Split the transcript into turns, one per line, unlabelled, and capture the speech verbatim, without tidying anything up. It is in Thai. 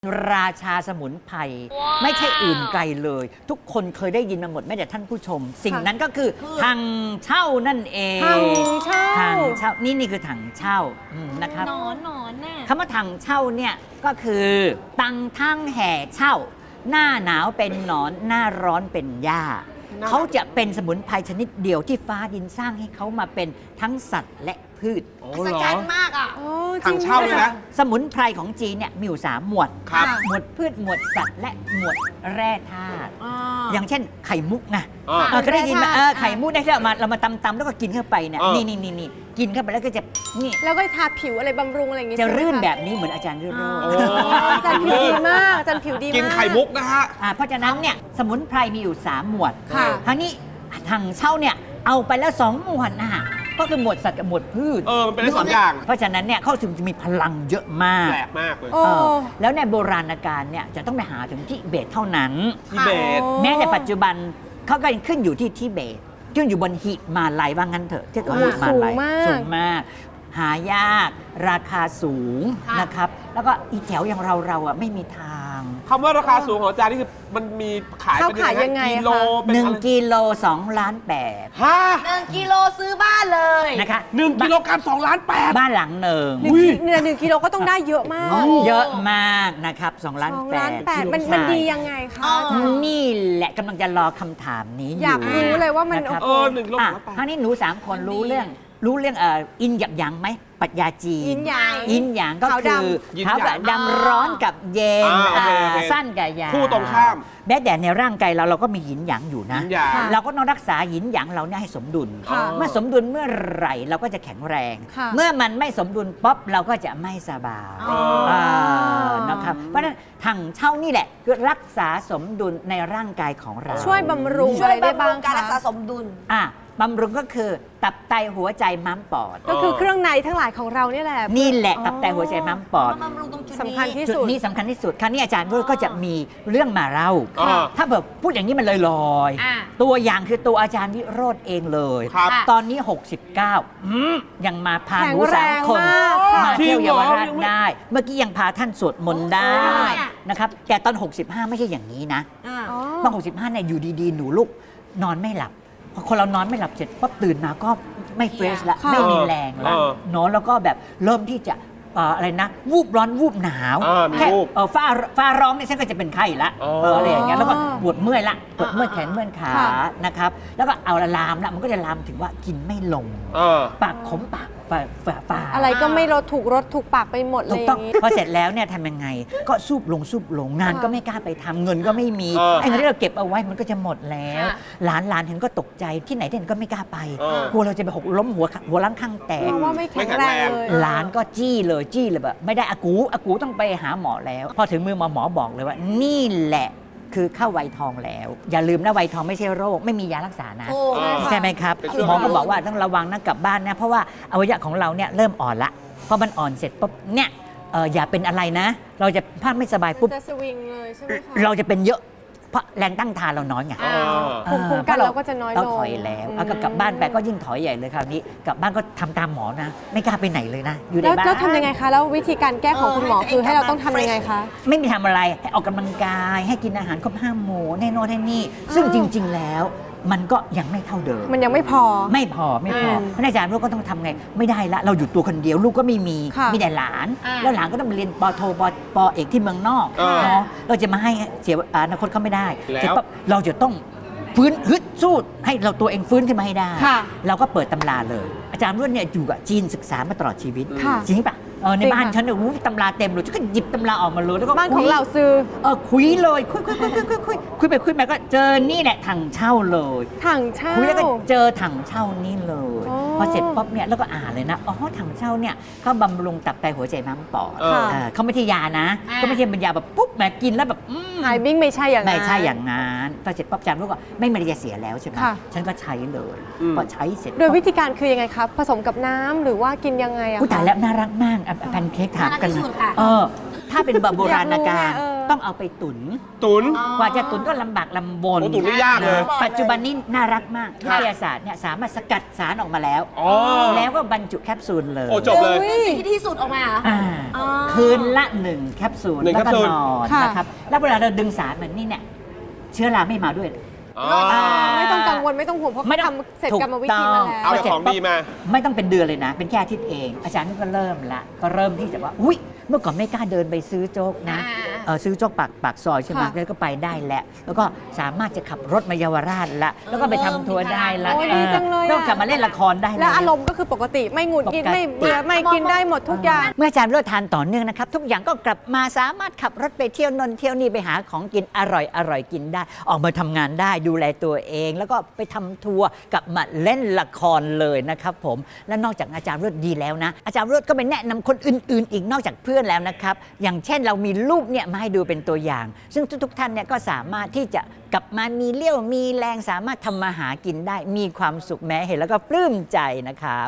ราชาสมุนไพรไม่ใช่อื่นไกลเลย ทุกคนเคยได้ยินมาหมดแม้แต่ท่านผู้ชม สิ่งนั้นก็คือถังเช่านั่นเอง
ถังเช่า
ถังเช่านี่นี่คือถังเช่านะครับ
นอนนอนน่ะ
คำว่าถังเช่าเนี่ยก็คือตังทั้งแห่เช่า หน้าหนาวเป็นหนอนหน้าร้อนเป็นหญ้าเขาจะเป็นสมุนไพรชนิดเดียวที่ฟ้าดินสร้างให้เขามาเป็นทั้งสัตว์และพืช
อัศจรรย์มากอ่ะ
ถังเช่าเลยนะ
สมุนไพรของจีนเนี่ยมีอยู่สามหมวด
ครับ
หมวดพืชหมวดสัตว์และหมวดแร่ธาตุอย่างเช่นไข่มุกไงเคยได้ยินไหมไข่มุกได้ที่เรามาเรามาตำๆแล้วก็กินเข้าไปเนี่ยนี่นี่นี่นี่กินเข้าไปแล้วก็จะนี่
แล้วก็ทาผิวอะไรบำรุงอะไรอย่างเงี้ย
จะรื่นแบบนี้เหมือนอาจารย์รื่นโรจน์
อาจารย์ผิวดีมากอาจารย์ผิวดีมาก
กินไข่มุกนะฮะ
เพราะฉะนั้นเนี่ยสมุนไพรมีอยู่สามหมวด
คราว
นี้ถังเช่าเนี่ยเอาไปแล้วสองหมวดนะก็คือหมวดสัตว์กับหมวดพืช
เออมันเป็นได้สองอย่าง
เพราะฉะนั้นเนี่ยเขาถึงจะมีพลังเยอะมาก
แปลกมากเลย
แล้วในโบราณกาลเนี่ยจะต้องไปหาถึงทิเบตเท่านั้น
ทิเบต
แม้แต่ปัจจุบันเขาก็ยังขึ้นอยู่ที่ทิเบตขึ้นอยู่บนหิมาลัยว่างั้นเถอะที่เขาหิมาลัยสูงมากหายากราคาสูงนะครับแล้วก็อีแถวอย่างเราเราอ่ะไม่มีทาง
คำว่าราคาสูงของอาจารย์นี่คือมันมีขายเป็นยังไงกิโล
หนึ่งกิโลสองล้านแปด
ฮะ
หนึ่งกิโลซื้อบ้านเลย
นะคะ
หนึ่งกิโลกรัมสองล้านแปด
บ้านหลังหนึ่ง
เนี่ยหนึ่งกิโลก็ต้องได้เยอะมาก
เยอะมากนะครับสองล้านแปด
มันมันดียังไงคะ
นี่แหละกำลังจะรอคำถามนี้
อยากรู้เลยว่ามัน
เออหนึ่งกิโลสองล้านแปด
คราวนี้หนูสามคนรู้เรื่องรู้เรื่องเอ่ออินหยับหยางไหมปรัชญาจีน
อินหยาง
อินหยางก็คือขาวกับดำร้อนกับเย็นสั้นกับยาว
คู่ตรงข้าม
แม้แต่ในร่างกายเราเราก็มีหยินหยางอยู่นะเราก็ต้องรักษาหยินหยางเราเนี่ยให้สมดุลเมื่อสมดุลเมื่อไหร่เราก็จะแข็งแรงเมื่อมันไม่สมดุลป๊อปเราก็จะไม่สบายนะครับเพราะฉะนั้นถังเช่านี่แหละคือรักษาสมดุลในร่างกายของเรา
ช่วยบำรุง
ช่วยบำรุงการรักษาสมดุล
อ่ะบำรุงก็คือตับไตหัวใจม้ามปอด
ก็คือเครื่องในทั้งหลายของเรานี่แหละ
นี่แหละตับไตหัวใจม้ามปอด
สำคัญที่
สุดนี้สำคัญที่สุดครั้นี้อาจารย์ก็จะมีเรื่องมาเล่าถ้าแบบพูดอย่างนี้มันลอยๆตัวอย่างคือตัวอาจารย์วิโรจน์เองเลยตอนนี้หกสิบเก้ายังมาพาหนูสามคนมาเที่ยวเยาวราชได้เมื่อกี้ยังพาท่านสวดมนต์ได้นะครับแต่ตอนหกสิบห้าไม่ใช่อย่างนี้นะตอนหกสิบห้าเนี่ยอยู่ดีๆหนูลุกนอนไม่หลับพอคนเรานอนไม่หลับเสร็จปั๊บตื่นมาก็ไม่เฟรชแล้วไม่มีแรงแล้วนอนแล้วก็แบบเริ่มที่จะอะไรนะวูบร้อนวูบหนาวแค่ฟ้าฟ้าร้องเนี่ยฉันก็จะเป็นไข้ละอะไรอย่างเงี้ยแล้วก็ปวดเมื่อยละปวดเมื่อยแขนเมื่อยขานะครับแล้วก็เอาละลามละมันก็จะลามถึงว่ากินไม่ลงปากขมปากฝ่าฝ่า
อะไรก็ไม่ลดถูกรสถูกปากไปหมดเลย
ถูกต้องพอเสร็จแล้วเนี่ยทำยังไงก็สูบลงสูบลงงานก็ไม่กล้าไปทำเงินก็ไม่มีไอ้เงินที่เราเก็บเอาไว้มันก็จะหมดแล้วหลานหลานเห็นก็ตกใจที่ไหนเด่นก็ไม่กล้าไปกลัวเราจะไปหกล้มหัวหัวล้างข้างแตก
ว่าไม่แข็งแรงเลย
หลานก็จี้เลยจี้เลยแบบไม่ได้อากูอากูต้องไปหาหมอแล้วพอถึงมือหมอหมอบอกเลยว่านี่แหละคือเข้าวัยทองแล้วอย่าลืมนะวัยทองไม่ใช่โรคไม่มียารักษานะใช่ไหมครับหมอก็บอกว่าต้องระวังนะกลับบ้านนะเพราะว่าอวัยวะของเราเนี่ยเริ่มอ่อนละพอมันอ่อนเสร็จปุ๊บเนี่ยอย่าเป็นอะไรนะเราจะพลาดไม่สบายปุ๊บ
จะสวิงเลยใช่ไหมคะ
เราจะเป็นเยอะเพราะแรงตั้งทานเราน้อยไง
ภูมิคุ้มกันเราก็จะน้อยลง
เราถอยแล้วเอากลับบ้านไปก็ยิ่งถอยใหญ่เลยคราวนี้กลับบ้านก็ทำตามหมอนะไม่กล้าไปไหนเลยนะอยู่ในบ้าน
แล้วทำยังไงคะแล้ววิธีการแก้ของคุณหมอคือให้เราต้องทำยังไงคะ
ไม่มีทำอะไรให้ออกกำลังกายให้กินอาหารครบห้าหมู่แน่นอนแน่นี่ซึ่งจริงๆแล้วมันก็ยังไม่เท่าเดิม
มันยังไม่พอ
ไม่พอไม่พอพระอาจารย์ลูกก็ต้องทำไงไม่ได้ละเราอยู่ตัวคนเดียวลูกก็ไม่มีมีแต่หลานแล้วหลานก็ต้องไปเรียนปโทปปเอกที่เมืองนอกเนาะเราจะมาให้เสียอนาคตเขาไม่ได้เสร็จปั๊บเราจะต้องฟื้นฮึดสู้ให้เราตัวเองฟื้นขึ้นมาให้ได้เราก็เปิดตำราเลยอาจารย์รุ่นเนี่ยอยู่กับจีนศึกษามาตลอดชีวิตจริงปะเออในบ้านฉันเนี่ยตำราเต็มเลยฉันก็หยิบตำราออกมาเลยแล้วก็
บ้านของเราซื้อ
เออคุยเลยคุยคุยคุยคุยคุยคุยไปคุยมาก็เจอนี่แหละถังเช่าเลย
ถังเช่า
คุยแล้วก็เจอถังเช่านี่เลยพอเสร็จป๊อบเนี่ยแล้วก็อ่านเลยนะอ๋อถังเช่าเนี่ยเขาบำรุงตับไตหัวใจม้ามปอดเขาไม่ใช่ยานะก็ไม่ใช่เป็นยาแบบปุ๊บแหมกินแล้วแบบ
หายบิ้งไม่ใช่อย่างนั้น
ไม่ใช่อย่างนั้นพอเสร็จป๊อบจำลูกก็ไม่มีอะไรจะเสียแล้วใช่ไหมฉันก็ใช้เลยพอใช้เสร็จ
โดยวิธีการคือยังไงครับผสมกับน้ำหรือว่ากินยังไงอะ
ผู้ตายแล้วน่ารักมากแพนเค้กถามกันเออถ้าเป็นโบราณกาลต้องเอาไปตุน
ตุน
กว่าจะตุนก็ลำบากลำบน
โอ้ตุ๋นนี่ยากเลย
ปัจจุบันนี้น่ารักมากวิทยาศาสตร์เนี่ยสามารถสกัดสารออกมาแล้ว
อ๋อ
แล้วก็บรรจุแคปซูลเลย
โอ้จบเลย
เป็นสิ่งที่ที่สุดออกมาเหรอ
อ่า
อ๋อ
คืนละหนึ่งแคปซูล
หนึ่ง
แล้วก็
แคปซูล
นอน
ค่ะ
นะครับแล้วเวลาเราดึงสารแบบนี้เนี่ยเชื้อราไม่มาด้วย
อ๋อ
อ่า
ไม่ต้องกังวลไม่ต้องห่วงเพราะ
ไม่
เขา
ต้อง
ทำเสร็จกรรมวิธีมาแล้ว
เอาแต่ของดีมา
ไม่ต้องเป็นเดือนเลยนะ เป็นแค่อาทิตย์เอง อาจารย์นี่ก็เริ่มละก็เริ่มที่จะว่าอุ๊ยเมื่อก่อนไม่กล้าเดินไปซื้อโจ๊กนะ
อ่า
เออซื้อโจ๊กปากปากซอยใช่ไหม
ค่ะ
แล้วก็ไปได้แล้วแล้วก็สามารถจะขับรถมาเยาวราชละแล้วก็ไปทำทัวร์ได้ละ
โอ้ยดีจังเลยอะ
นอกจากมาเล่นละครได้
และอารมณ์ก็คือปกติไม่หงุดหงิด
ปกติ
ไม่เบื่อไม่กินได้หมดทุกอย่าง
เมื่ออาจารย์เลิศทานต่อเนื่องนะครับ ทุกอย่างก็กลับมาสามารถขับรถไปเที่ยวนนเที่ยวนี่ไปหาของกินอร่อยอร่อยกินได้ ออกมาทำงานได้ดูแลตัวเอง แล้วก็ไปทำทัวร์กลับมาเล่นละครเลยนะครับผมและนอกจากอาจารย์เลิศดีแล้วนะ อาจารย์เลิศก็ไปแนะนำคนอื่น ๆ อีกนอกจากเพื่อนแล้วนะครับอย่างเช่นเรามีรูปเนี่ยมาให้ดูเป็นตัวอย่าง ซึ่งทุกๆท่านเนี่ยก็สามารถที่จะกลับมามีเลี้ยวมีแรงสามารถทำมาหากินได้มีความสุขแม้เห็นแล้วก็ปลื้มใจนะครับ